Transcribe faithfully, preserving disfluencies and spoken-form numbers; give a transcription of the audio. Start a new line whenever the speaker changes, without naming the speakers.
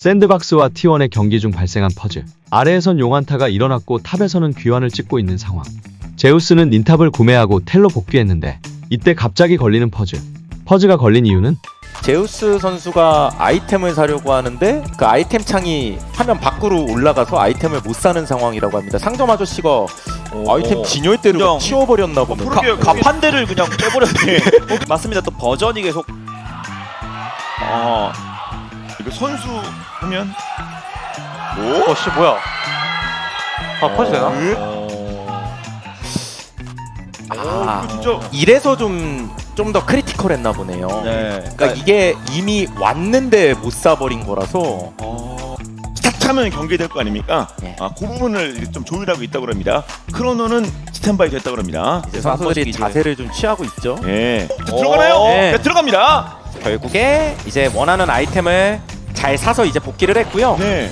샌드박스와 티 원의 경기 중 발생한 퍼즐. 아래에선 용안타가 일어났고 탑에서는 귀환을 찍고 있는 상황. 제우스는 닌탑을 구매하고 텔로 복귀했는데 이때 갑자기 걸리는 퍼즐. 퍼즐가 걸린 이유는
제우스 선수가 아이템을 사려고 하는데 그 아이템 창이 화면 밖으로 올라가서 아이템을 못 사는 상황이라고 합니다. 상점 아저씨가 아이템 진열대를
그냥
치워버렸나 보네.
그러게 갑한 대를 그냥 빼버렸네. 맞습니다. 또 버전이 계속 아 이거 선수 하면 오?
어씨 뭐야? 아 퍼지 되나?
아,
이거 진짜
이래서 좀 좀 더 크리티컬했나 보네요.
네.
그러니까 이게 이미 왔는데 못 사버린 거라서
어... 스타트하면 경기될 거 아닙니까?
네.
아, 그 부분을 좀 조율하고 있다고 합니다. 크로노는 스탠바이 됐다고 합니다.
이제 선수들이
이제.
자세를 좀 취하고 있죠.
네. 들어가나요?
네.
네, 들어갑니다.
결국에 이제 원하는 아이템을 잘 사서 이제 복귀를 했고요.
네.